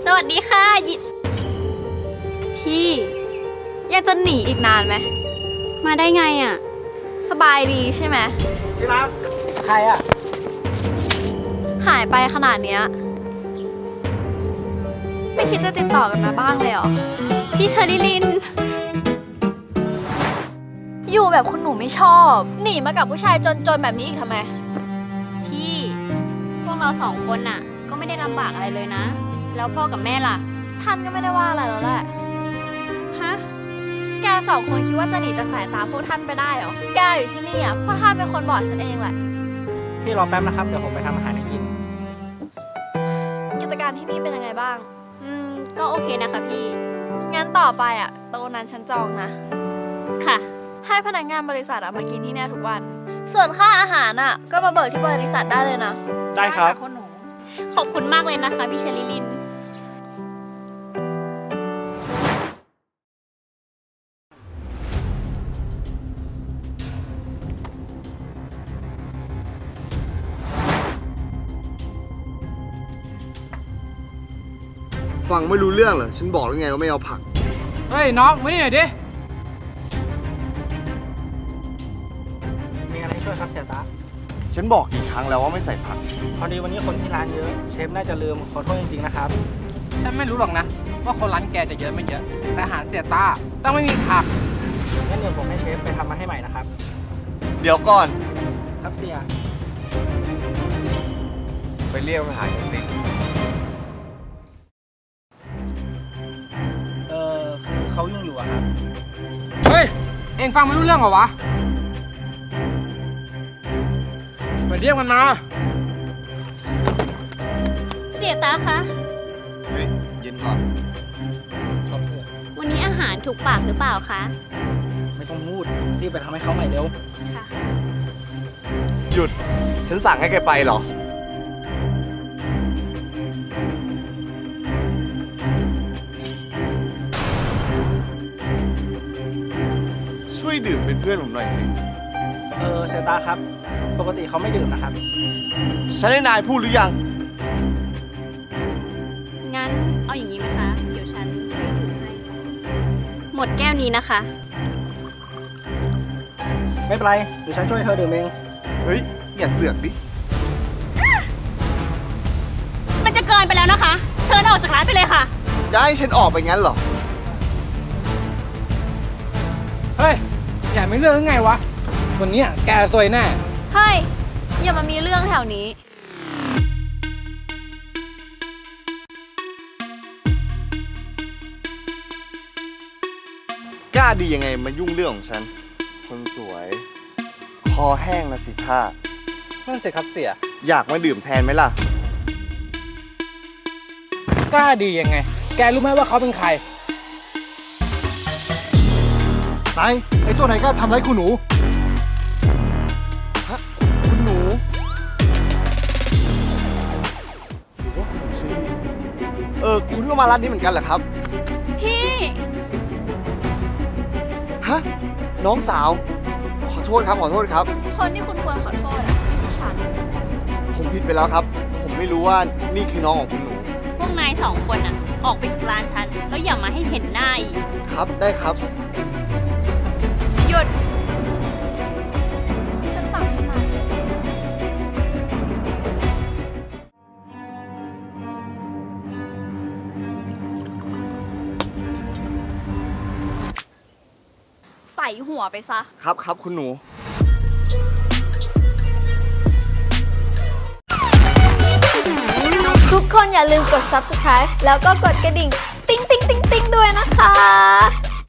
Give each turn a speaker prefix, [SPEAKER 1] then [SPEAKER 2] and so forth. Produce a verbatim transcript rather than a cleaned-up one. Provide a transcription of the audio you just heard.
[SPEAKER 1] สวัสดีค่ะยิพี่
[SPEAKER 2] ยังจะหนีอีกนานไหม
[SPEAKER 1] มาได้ไงอ่ะ
[SPEAKER 2] สบายดีใช่ไหม
[SPEAKER 3] ที่รักใครอ่ะ
[SPEAKER 2] หายไปขนาดเนี้ยไม่คิดจะติดต่อกันมาบ้างเลยเหรอ
[SPEAKER 1] พี่เชอริลิน
[SPEAKER 2] อยู่แบบคุณหนูไม่ชอบหนีมากับผู้ชายจนๆแบบนี้อีกทำไม
[SPEAKER 1] พี่พวกเราสองคนน่ะก็ไม่ได้ลำบากอะไรเลยนะแล้วพ่อกับแม่ล่ะ
[SPEAKER 2] ท่านก็ไม่ได้ว่าอะไรแล้วแหละ
[SPEAKER 1] ฮะ
[SPEAKER 2] แกสองคนคิดว่าจะหนีจากสายตาพวกท่านไปได้เหรอแกอยู่ที่นี่อ่ะพวกท่านเป็นคนบอกฉันเองแหละ
[SPEAKER 3] พี่รอแป๊บนะครับเดี๋ยวผมไปทำอาหารให้กิน
[SPEAKER 2] กิจการที่นี่เป็นยังไงบ้าง
[SPEAKER 1] อืมก็โอเคนะคะพี่
[SPEAKER 2] งั้นต่อไปอ่ะโต๊ะนั้นฉันจองนะ
[SPEAKER 1] ค่ะ
[SPEAKER 2] ให้พนักงานบริษัทมากินที่นี่ทุกวันส่วนค่าอาหารอ่ะก็มาเบิกที่บริษัทได้เลยนะ
[SPEAKER 3] ได้ครับ
[SPEAKER 2] คุณหนู
[SPEAKER 1] ขอบคุณมากเลยนะคะพี่เชลิลิน
[SPEAKER 4] ฟังไม่รู้เรื่องเหรอฉันบอกแล้วไงว่าไม่เอาผัก
[SPEAKER 3] เฮ้ยน้องมานี่หน่อยดิมีอะไรช่วยครับเสียตา
[SPEAKER 4] ฉันบอกกี่ครั้งแล้วว่าไม่ใส่ผัก
[SPEAKER 3] พอดีวันนี้คนที่ร้านเยอะเชฟน่าจะลืมขอโทษจริงๆนะครับ
[SPEAKER 5] ฉันไม่รู้หรอกนะว่าคนร้านแกจะเยอะไม่เยอะแต่อาหารเสียตาต้องไม่มีผัก
[SPEAKER 3] งั้นเดี๋ยวผมให้เชฟไปทำมาให้ใหม่นะครับ
[SPEAKER 4] เดี๋ยวก่อน
[SPEAKER 3] ครับเสีย
[SPEAKER 4] ไปเรียกทหารกันสิ
[SPEAKER 3] เออคือเขายุ่งอยู่อะครับ
[SPEAKER 5] เฮ้ยเอ็งฟังไม่รู้เรื่องเหรอวะไปเรียกมันมา
[SPEAKER 1] เสียตาคะ
[SPEAKER 4] เฮ้ยเย็นก่อนครับเสีย
[SPEAKER 1] วันนี้อาหารถูกปากหรือเปล่าคะ
[SPEAKER 3] ไม่ต้องพูดรีบไปทำให้เขาใหม่เร็ว
[SPEAKER 1] ค่ะ
[SPEAKER 4] หยุดฉันสั่งให้แกไปเหรอช่วยดื่มเป็นเพื่อนผมหน่อยสิ
[SPEAKER 3] เออเซตาครับปกติเขาไม่ดื่มนะครับ
[SPEAKER 4] ฉันให้นายพูดหรือยัง
[SPEAKER 1] งั้นเอาอย่างนี้ไหมคะเดี๋ยวฉันช่วยดื่มให้หมดแก้วนี้นะคะ
[SPEAKER 3] ไม่เป็นไรเดี๋ยวฉันช่วยเธอดื่มเอง
[SPEAKER 4] เฮ้ยอย่าเสือกดิ
[SPEAKER 1] มันจะเกินไปแล้วนะคะเชิญออกจากร้านไปเลยค่ะ
[SPEAKER 4] จะให้ฉันออกไปงั้นเหรอ
[SPEAKER 5] เฮ้ยอย่าไม่เรื่องไงวะวันนี้แกซวยแน่
[SPEAKER 2] เฮ้ยอย่ามามีเรื่องแถวนี้
[SPEAKER 4] กล้าดียังไงมายุ่งเรื่องของฉันคนสวยคอแห้งนะสิท่า
[SPEAKER 5] นั่นสิครับเสีย
[SPEAKER 4] อยากมาดื่มแทนไหมล่ะ
[SPEAKER 5] กล้าดียังไงแกรู้ไหมว่าเขาเป็นใคร
[SPEAKER 4] ไหนไอ้ตัวไหนกล้าทำร้ายคุณหนูฮะคุณหนูเออคุณก็มาร้านนี้เหมือนกันเหรอครับ
[SPEAKER 1] พี่
[SPEAKER 4] ฮะน้องสาวขอโทษครับขอโทษครับ
[SPEAKER 2] คนที่คุณควรขอโทษไม่ใช่ฉัน
[SPEAKER 4] ผมผิดไปแล้วครับผมไม่รู้ว่านี่คือน้องของคุณหนู
[SPEAKER 1] พวกนายสองคนอ่ะออกไปจากร้านฉันแล้วอย่ามาให้เห็นหน้าอีก
[SPEAKER 4] ครับได้ครับ
[SPEAKER 2] หยุดฉันสั่งให้มาใส่หัวไปซะ
[SPEAKER 4] ครับครับคุณหนู
[SPEAKER 2] ทุกคนอย่าลืมกด ซับสไครบ์ แล้วก็กดกระดิ่งติ๊งติ๊งติ๊งติ๊งด้วยนะคะ